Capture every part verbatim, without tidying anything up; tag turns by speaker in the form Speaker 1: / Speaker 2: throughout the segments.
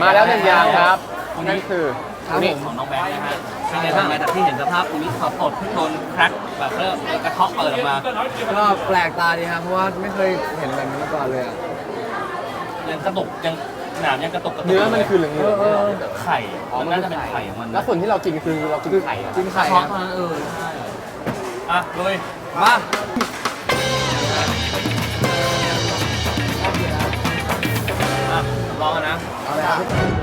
Speaker 1: มาแล้วหนึ่งอย่างครับนั่นคืออันนี้
Speaker 2: ของน้องแบงค์นะฮะเป็นไงบ้างหลังจากที่เห็นสภาพตรงนี้สดสดที่โดนแคร็กแบบเริ่มกระเทาะเปิดออกมา
Speaker 3: ก็แปลกตาดีครับเพราะว่าไม่เคยเห็นแบบนี้มาก่อนเลยอะ
Speaker 2: ยังกระตุกยังหนามยังกระตุกกระตุก
Speaker 1: เนื้อมันคือเหลืองๆ
Speaker 2: ไข่มันน่าจะเป็นไข่ของมัน
Speaker 1: แล้วส่วนที่เรากินคือเรากินไข่อะ
Speaker 3: กินไข่
Speaker 2: ท้อง
Speaker 3: ครับ
Speaker 2: เท่านั้นเออใช่อ่ะลุย
Speaker 3: มา
Speaker 2: อ่ะลองกันนะ
Speaker 3: เอาเลยครับ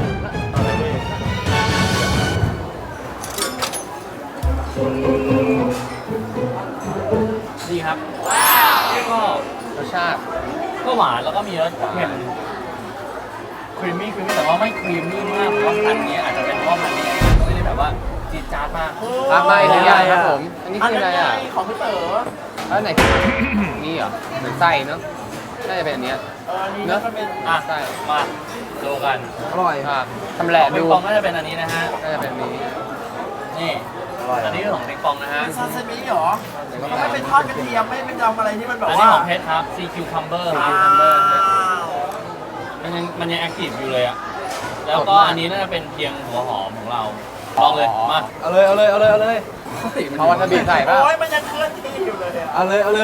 Speaker 2: ดีครับก็
Speaker 1: รสชาติ
Speaker 2: ก็หวานแล้วก็มีรสเค็มครีมมี่ครีมมี่แต่ว่าไม่ครีมมี่มากเพราะว่าพันธุ์นี้อาจจะเป็นเพราะว่าพันธุ์นี้ไม่ได้แบบว่าจี๊ดจ๊าดมาก
Speaker 1: ครับมาอีกหนึ่งอย่างครับผม อันนี้คืออะไรอ่ะ
Speaker 4: ของพี่เต๋อ
Speaker 1: แล้วไหนนี่เหรอเหมือนไส้เนาะน่าจะเป็นอันเนี้ย
Speaker 4: เออนี่
Speaker 1: เนอะ
Speaker 4: ก็เป็น
Speaker 2: อ่ะ
Speaker 1: ไส้
Speaker 2: มาดูกัน
Speaker 3: อร่อย
Speaker 1: ครับทำแหละ
Speaker 2: ของปิ
Speaker 1: ดู
Speaker 2: งปองก็จะเป็นอันนี้นะฮะ
Speaker 1: น่าจะเป็นอันนี้
Speaker 2: นี่อันนี้คือของปิงปองนะฮะ
Speaker 4: ซาซิมิเหรอเขาไม่เป็นทอดกระเทียมไม่เป็นทำอะไรที่มันแบบ
Speaker 2: อันนี้
Speaker 4: ว่า
Speaker 2: ของเพชรครับ ซี คิว Cucumber
Speaker 4: อ้าว
Speaker 2: มันยังมันยังแอคทีฟอยู่เลยอ่ะ แล้วก็อันนี้น่าจะเป็นเพียงหัวหอมของเรา ลองเลย มา
Speaker 3: เอาเลยเอาเลยเอาเลยเอาเลย
Speaker 1: เอาวาซาบิใส่ป่ะ
Speaker 4: โอ้ยมันยังเคลื่อนที่อยู่เลยอะ
Speaker 3: เอาเลยเอาเลย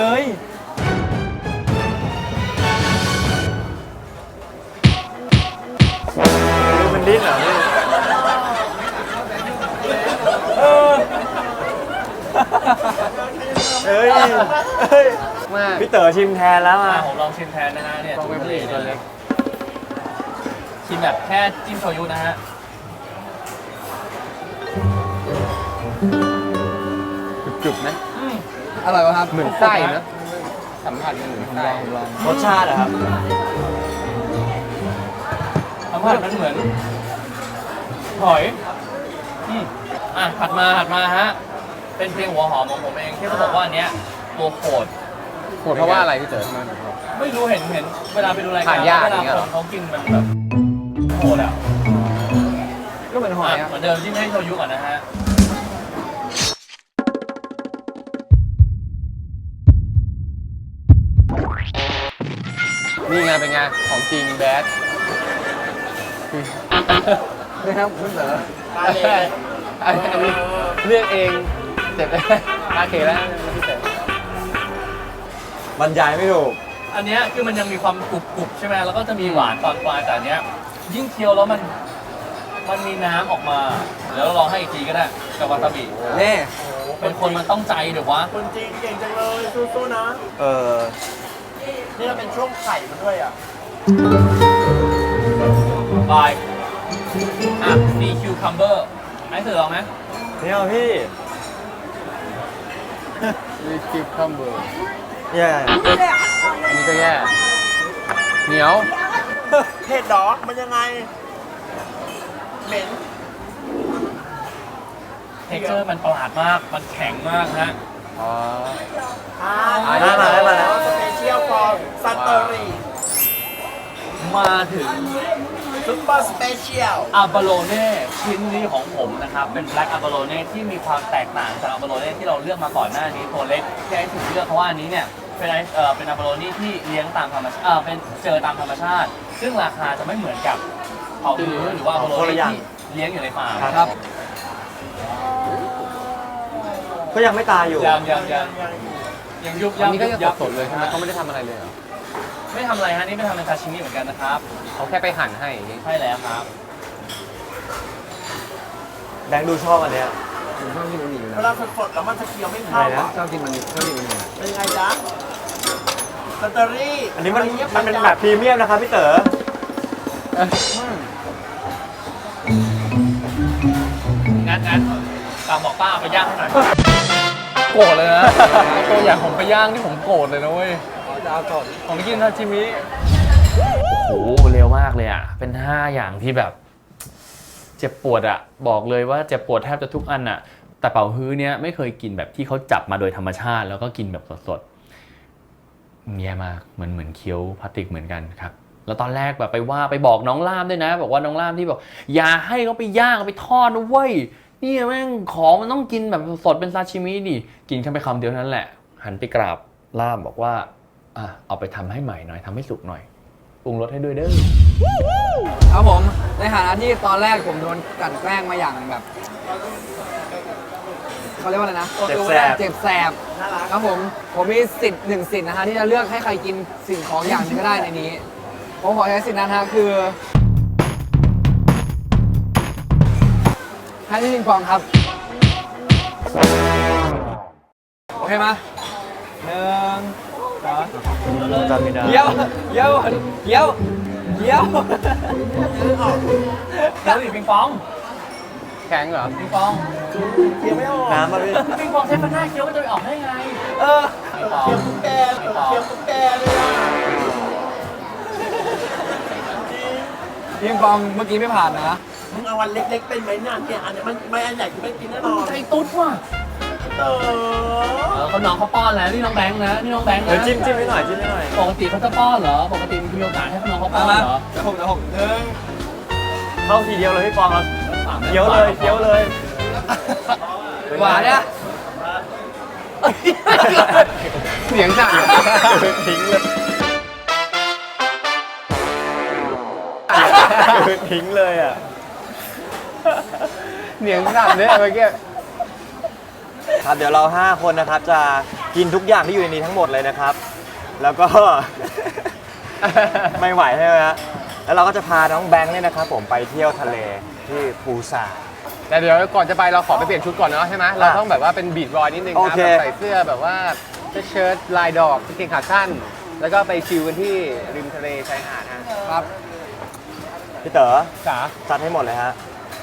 Speaker 1: มันดิ้นเหรอพี่
Speaker 3: เฮ้ยเฮ้ย
Speaker 1: มาก
Speaker 3: พี่เต๋อชิมแทนแล้ว
Speaker 2: มา
Speaker 3: อ่ะ
Speaker 2: ผมลองชิมแทนนะฮะเนี่ย
Speaker 1: ลองเป็นผู้หญิงตัวเล็ก
Speaker 2: ชิมแบบแค่จิ้มโชยุนะฮะ
Speaker 1: กรึบๆนะ
Speaker 2: อืม
Speaker 3: อร่อยวะครับ
Speaker 1: เหมือนไส้นะสัมผัสมันเหมือนไส้
Speaker 3: รสชาติอะครับ
Speaker 2: สัมผัสมันเหมือนหอยอืมอ่ะถัดมาถัดมาฮะ เป็นเพียงหัวหอมของผมเองที่เขาบอกว่าอันเนี้ยตัวโคตร
Speaker 1: โหดเพราะว่าอะไรพี่เต๋อ
Speaker 2: ไม่รู้เห็นเห็นเวลาไปดูรายการ
Speaker 1: ทานยาก
Speaker 2: เว
Speaker 1: อ
Speaker 2: ลา
Speaker 1: ย่างเงี้ย
Speaker 2: ค
Speaker 1: เหรอ
Speaker 2: นเขากินมันแบบโหดอ่ะ
Speaker 3: ก็เหมือนหอย
Speaker 2: อ่ะ
Speaker 3: อะ
Speaker 2: เหมือนเดิมที่ไม่ให้โชยุก่อนนะฮะ
Speaker 1: นี่ไงเป็นไงของจริงแบด
Speaker 3: นะครับพี่เต๋อ
Speaker 4: มาเลย
Speaker 1: อันนี้เลือกเองเสร็จแล้วโอเคแล้วพี่เต๋อบ
Speaker 3: รรยายไม่ถูก
Speaker 2: อันเนี้ยคือมันยังมีความกรุบกรุบใช่ไหมแล้วก็จะมีหวานตอนปลายแต่อันเนี้ยยิ่งเคี้ยวแล้วมันมันมีน้ำออกมาเดี๋ยวเราลองให้อีกทีก็ได้กับวาซาบิ
Speaker 3: เน่
Speaker 2: เป็นคนมันต้องใจเดี๋ยววะ
Speaker 4: คนจริงเก่งจังเลยสู้ๆนะ
Speaker 3: เออ
Speaker 4: นี่เราเป็นช่วงไข่มันด้วยอ่ะ
Speaker 2: บายอ่ะมีคิวคัมเบอร์ไอ้เสือลองไหม
Speaker 3: นี่เอาพี่
Speaker 1: มีคิวคัมเบอร์
Speaker 3: แย่
Speaker 1: อันนี้ก็แย่เหนียว
Speaker 4: เผ็ดดอมันยังไง เหม็น
Speaker 2: เทคเจอร์มันประหลาดมากมันแข็งมากฮะ
Speaker 1: อ๋อ
Speaker 4: อ่า
Speaker 1: อ่าได้มาได้มาแล้ว
Speaker 4: สเปเชียลฟอร์ซันเตอรี่
Speaker 2: มาถึง
Speaker 4: ซุปเปอร์สเปเชียล
Speaker 2: อาบาโลเน่ชิ้นนี้ของผมนะครับเป็นแบล็กอาบาโลเน่ที่มีความแตกต่างจากอาบาโลเน่ที่เราเลือกมาก่อนหน้านี้ตัวเล็กที่ไอ้ถูกเลือกเพราะว่าอันนี้เนี่ยเป็นไอเอ่อเป็นอาบาโลเน่ที่เลี้ยงตามธรรมชาติเออเป็นเจอตามธรรมชาติ ซึ่งราคาจะไม่เหมือนกับเผาหือหรือว่าอาบาโลเน่ที่เลี้ยงอยู่ในฟาร์ม
Speaker 3: ครับ ก็ยังไม่ตายอยู่
Speaker 2: ยังยังยังยังยุบ
Speaker 1: อั
Speaker 2: ยั
Speaker 1: น
Speaker 2: บ
Speaker 1: นี้ก็
Speaker 2: ยุ
Speaker 1: จะ
Speaker 2: บยับ
Speaker 1: สดๆเลยใช่ไหมเขาไม่ได้ทำอะไรเลยเหรอ
Speaker 2: ไม่ทำอะไรฮะนี่ไม่ทำเป็นซาชิมิเหมือนกันนะครับ
Speaker 1: เขาแค่ไปหั่นให้อย่างงี้
Speaker 2: ใช่แล้วครับ
Speaker 3: แบงค์ดูชอบอันเนี้ย
Speaker 1: ผมชอบกินอันนี้อยู่
Speaker 4: เว
Speaker 1: แล้ว
Speaker 4: ลาสดๆแล้วมันจะเคี้ยวไม่
Speaker 3: อะ
Speaker 4: เข้า
Speaker 3: ไรนะ
Speaker 4: อ่ะ
Speaker 1: ชอบกินมันนี้ชอบกินมันนี้
Speaker 4: เป็นยังไงจ๊ะซันเตอรี่
Speaker 3: อันนี้มันมันเป็นแบบพรีเมียมนะครับพี่เต๋อ
Speaker 2: งั้นงั้นฝากบอกป้าเอาไปย่างให้หน่อยโกรธเลยนะตัวอย่างผมไปย่างที่ผมโกรธเลยนะเว้ย
Speaker 3: จะเอาก่อน
Speaker 2: ของกินซาชิมิโอ้โหเร็วมากเลยอ่ะเป็นห้าอย่างที่แบบเจ็บปวดอ่ะบอกเลยว่าเจ็บปวดแทบจะทุกอันอ่ะแต่เป่าฮื้อเนี้ยไม่เคยกินแบบที่เขาจับมาโดยธรรมชาติแล้วก็กินแบบสดๆแย่มากเหมือนเหมือนเคี้ยวพลาสติกเหมือนกันครับแล้วตอนแรกแบบไปว่าไปบอกน้องล่ามด้วยนะบอกว่าน้องล่ามที่บอกอย่าให้เขาไปย่างเอาไปทอดนะเว้ยนี่แม่งของมันต้องกินแบบสดเป็นซาชิมิดิกินแค่ไปคำเดียวนั้นแหละหันไปกราบล่ามบอกว่าอ่ะเอาไปทำให้ใหม่หน่อยทำให้สุกหน่อยปรุงรสให้ด้วยเด้อ
Speaker 3: ครับผมในฐานะที่ตอนแรกผมโดนกลั่นแกล้งมาอย่างแบบเขาเรียกว่าอะไรนะ
Speaker 4: เจ็บแสบ
Speaker 3: เจ็บแสบครับผมผมมีสิทธิ์หนึ่งสิทธิ์นะฮะที่จะเลือกให้ใครกินสิ่งของอย่างหนึงก็ได้ในนี้ผมขอใช้สิทธิ์นั้นฮะคือให้พี่ปิงปองครับโอเคมาหนึ่งสอง
Speaker 2: จำไม่ได้
Speaker 3: เยี่ยวเยี่ยวเยี่ยวเยี่ยว
Speaker 2: แล้วอีกปิงปอง
Speaker 1: แข็งเหรอ
Speaker 2: ปิงปอง
Speaker 4: เคี้ยวไม่ออกน้ำมาพี่
Speaker 2: ปิงปองใช้ฟันหน้าเคี้ยวมันจะไปออกได้ไง
Speaker 3: เออ
Speaker 2: ปิงปอง
Speaker 4: เคี้ยวตุ๊กแกเคี้ยวตุ๊กแกเลยอ่ะ
Speaker 3: พี่ปิงปองเมื่อกี้ไม่ผ่านนะ
Speaker 4: มึงเอาวันเล็กๆเป็นไหมเนี่ยเนี่ยอันนี้มันไม่อันใหญ่กูไม่กินแน่นอน
Speaker 2: ใจตุ๊ดว่ะ
Speaker 4: เออ
Speaker 2: เออเขาน้องเขาป้อนแล้วนี่น้องแบงค์นะนี่น้องแบงค์นะ
Speaker 3: จิ้มจิ้มให้หน่อยจิ้มให้หน่อย
Speaker 2: ปกติเขาจะป้อนเหรอปกติมีโอกาสให้น้องเขาป้
Speaker 3: มา
Speaker 2: อน
Speaker 3: มา
Speaker 2: เหรอ
Speaker 3: เดี๋ยวผมเดี๋ยวผมหนึ่ง
Speaker 5: เข้าทีเดียวเลยพี่ปองครับเคี้ยวเลยเคี้ยวเลย
Speaker 3: หวานเนี่ย
Speaker 1: เสียงสั่น
Speaker 5: ทิ้งเลยทิ้งเลยอ่ะ
Speaker 1: เสียงสั่นเนี่ยเมื่อกี้
Speaker 5: ครับเดี๋ยวเราห้าคนนะครับจะกินทุกอย่างที่อยู่ในนี้ทั้งหมดเลยนะครับ แล้วก็ ไม่ไหวใช่ไหมฮะแล้วเราก็จะพาน้องแบงค์เนี่ยนะครับผมไปเที่ยวทะเลที่ปูซาน
Speaker 1: แต่เดี๋ยวก่อนจะไปเราขอไปเปลี่ยนชุดก่อนเนาะใช่ไหมเราต้องแบบว่าเป็นบีทบอยนิดนึง
Speaker 5: โอ
Speaker 1: ครับ
Speaker 5: เค
Speaker 1: แบบใส่เสื้อแบบว่าเสื้อเชิ้ตลายดอกกางเกงขาสั้น แล้วก็ไปชิลกันที่ริมทะเลชายหาดฮะ
Speaker 3: ครับ
Speaker 5: พี่เต๋อ
Speaker 1: จ๋า
Speaker 5: จัดให้หมดเลยฮะ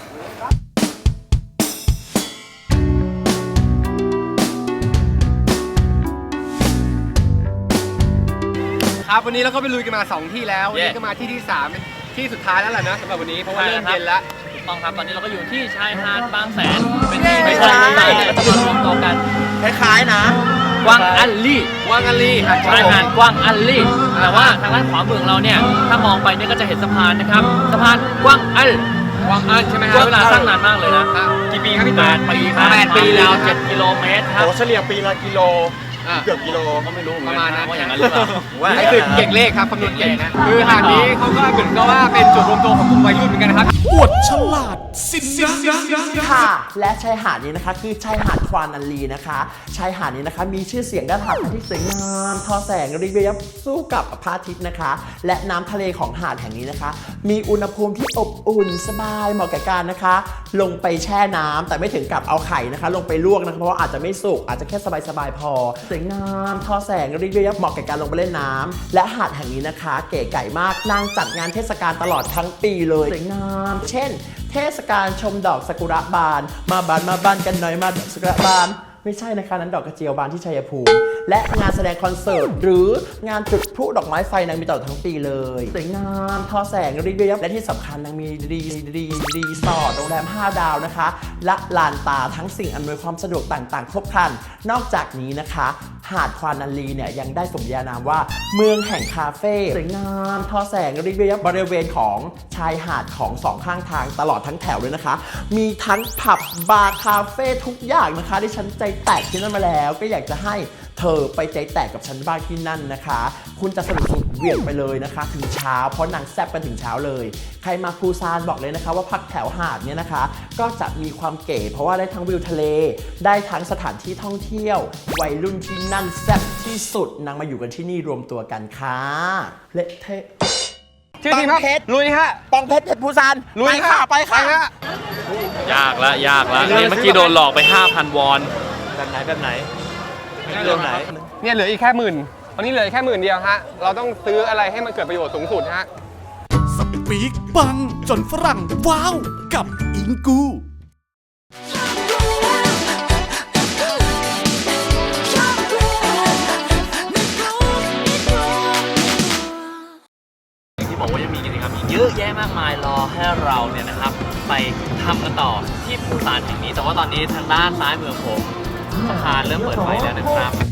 Speaker 1: ครับวันนี้เราก็ไปลุยกันมาสองที่แล้ววันนี้ก็มาที่ที่สามเป็นที่สุดท้ายแล้วแหละนะสำหรับวันนี้เพราะว่าเริ่มเย็นแล้ว
Speaker 2: ถูกต้องครับตอนนี้เราก็อยู่ที่ชายหาดบางแสนเป็นที่ไม่ใช่ที่ต่างๆก็จะมารวมตัวกัน
Speaker 4: คล้ายๆนะ
Speaker 2: กวางอัลลี่
Speaker 1: วางอันลี
Speaker 2: ชายหาดกวางอัลลี่แต่ว่าทางด้านขวามือของเราเนี่ยถ้ามองไปเนี่ยก็จะเห็นสะพานนะครับสะพานกวางอัล
Speaker 1: วางอันใช่ไหมค
Speaker 2: ใช้
Speaker 1: รับ
Speaker 2: เวลาสร้างนานมากเลยนะ
Speaker 1: อ่ะกี่ปีครับพี่
Speaker 2: แป
Speaker 1: ตา
Speaker 2: ดปีครับ
Speaker 1: แปดปี
Speaker 2: แล้
Speaker 1: แล้ว ว
Speaker 2: เจ็ดกิโลเมตรครับ
Speaker 4: โอ้เฉลี่ยปีละกิโล
Speaker 1: อ่ะ
Speaker 4: เกือบกิโล
Speaker 2: ก็ไม่รู้เหมือน
Speaker 1: ประ
Speaker 2: กั
Speaker 1: มาณ
Speaker 2: น
Speaker 1: นั้
Speaker 2: นะ
Speaker 1: น
Speaker 2: ว่าอย่างนั้นหรือเปล่า
Speaker 1: นี่คือเก่งเลขครับคำนวณเก่งนะคือหาดนี้เขาก็เหมือนกับว่าเป็นจุดรวมตัวของกลุ่มวัยรุ่นเหมือนกันนะครับ
Speaker 6: ค่ะและชายหาดนี้นะคะคือชายหาดควานันลีนะคะชายหาดนี้นะคะมีชื่อเสียงด้านหาดที่สวยงามทอแสงระยิบสู้กับพระอาทิตย์นะคะ และน้ำทะเลของหาดแห่งนี้นะคะ มีอุณหภูมิที่อบอุ่นสบายเหมาะกับการนะคะ ลงไปแช่น้ำแต่ไม่ถึงกับเอาไข่นะคะ ลงไปลวกนะคะเพราะว่าอาจจะไม่สุกอาจจะแค่สบายๆพอสวยงามทอแสงระยิบเหมาะกับการลงไปเล่นน้ำและหาดแห่งนี้นะคะ เก๋ไก่มากนางจัดงานเทศกาลตลอดทั้งปีเลยสวยงามเช่น เทศกาลชมดอกซากุระบาน มาบานมาบานกันหน่อยมาดอกซากุระบาน ไม่ใช่นะคะนั้นดอกกระเจียวบานที่ชัยภูมิ และงานแสดงคอนเสิร์ตหรืองานจุดพลุดอกไม้ไฟนางมีตลอดทั้งปีเลยสวยงามทอแสงรีเรียบและที่สำคัญนางมีรีรีรีสอร์ทโรงแรมห้าดาวนะคะ และลานตาทั้งสิ่งอำนวยความสะดวกต่างๆ ครบครัน นอกจากนี้นะคะ หาดควานันลีเนี่ยยังได้สมญานามว่าเมืองแห่งคาเฟ่สวยงามทอแสงรีเรียบบริเวณของชายหาดของสองข้างทางตลอดทั้งแถวเลยนะคะ มีทั้งผับบาร์คาเฟ่ทุกอย่างนะคะที่ฉันใจแตกที่นั่นมาแล้วก็อยากจะให้เธอไปใจแตกกับฉันบ้างที่นั่นนะคะ คุณจะสนุกสุดเหวี่ยงไปเลยนะคะ ถึงเช้าเพราะนางแซ่บกันถึงเช้าเลย ใครมาปูซานบอกเลยนะคะว่าพักแถวหาดเนี่ยนะคะ ก็จะมีความเก๋เพราะว่าได้ทั้งวิวทะเล ได้ทั้งสถานที่ท่องเที่ยว วัยรุ่นที่นั่นแซ่บที่สุดนางมาอยู่กันที่นี่รวมตัวกันค่ะเละเทะ
Speaker 1: ชื่อทีมครับ
Speaker 4: ปังเพชร
Speaker 1: ลุยฮะ
Speaker 4: ปองเพชรเพชรภูซาน
Speaker 1: ลุย
Speaker 4: ไปค่ะไปค่ะ
Speaker 1: ฮะ
Speaker 2: ยากละยากละเนี่ยเมื่อกี้โดนหลอกไป ห้าพัน วอน
Speaker 5: แบบไหนแบบไหนเรื่องไหน
Speaker 1: เนี่ยเหลืออีกแค่หมื่นตอนนี้เหลืออีกแค่หมื่นเดียวฮะเราต้องซื้ออะไรให้มันเกิดประโยชน์สูงสุดฮะ
Speaker 7: สปีกปังจนฝรั่งว้าวกับอิงกู
Speaker 2: ที่บอกว่ายังมีกิจกรรมอีกเยอะแยะมากมายรอให้เราเนี่ยนะครับไปทำกันต่อที่ปูซานแห่งนี้แต่ว่าตอนนี้ทางด้านซ้ายมือผมสะพานเริ่มเปิดไฟแล้วนะครับ